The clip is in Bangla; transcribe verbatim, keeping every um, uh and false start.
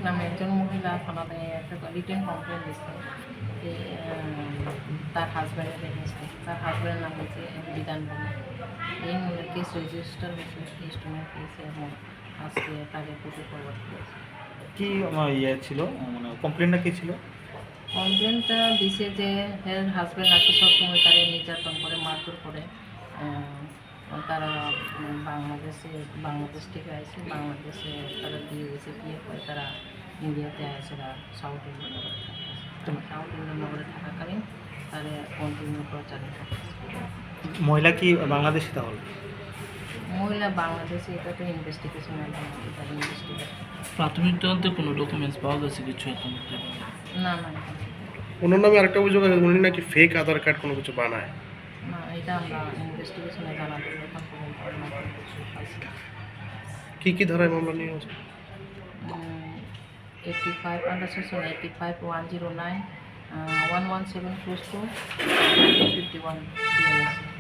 নামে একজন মহিলা থানাতে একটা রিটেন কমপ্লেন দিচ্ছে যে তার হাজব্যান্ডের এগেনস্টে, তার হাজব্যান্ডের নাম হচ্ছে বিধান বলে। এই মহিলার কেস রেজিস্টার হয়েছে ইনস্ট্রুমেন্ট কেসে এবং আজকে তাকে কোর্টে ফরওয়ার্ড করেছে। কি আমার ইয়ে ছিল, মানে কমপ্লেনটা কী ছিল? কমপ্লেনটা দিছে যে হের হাজব্যান্ড নাকি সবসময় তারা নির্যাতন করে, মারধর করে। তারা বাংলাদেশে বাংলাদেশ থেকে আসে, বাংলাদেশে তারা বিয়ে গেছে, বিয়ে করে তারা ইন্ডিয়াতে আসে, সাউথ ইন্ডিয়ানগরে থাকে। সাউথ ইন্ডিয়ানগরে থাকাকালীন তারা কন্টিনিউ প্রচারে থাকে। মহিলা কি বাংলাদেশি তাহলে? মহিলা বাংলাদেশে, এটা তো ইনভেস্টিগেশন তার ইনভেস্টিগেশন। প্রাথমিক তদন্তে কোনো ডকুমেন্টস পাওয়া গেছে কিছু এখন? না না ওনার নামে আরেকটা অভিযোগ আছে, উনি নাকি ফেক আধার কার্ড কোনো কিছু বানায়। না, এটা আমরা ইনভেস্টিগেশনে জানাতে এখন পর্যন্ত আমরা কোনো কিছু পাইছি না। কী কী ধারায় মামলা নিয়ে আছে? Eighty five under section eighty five one zero nine one one seven close two fifty one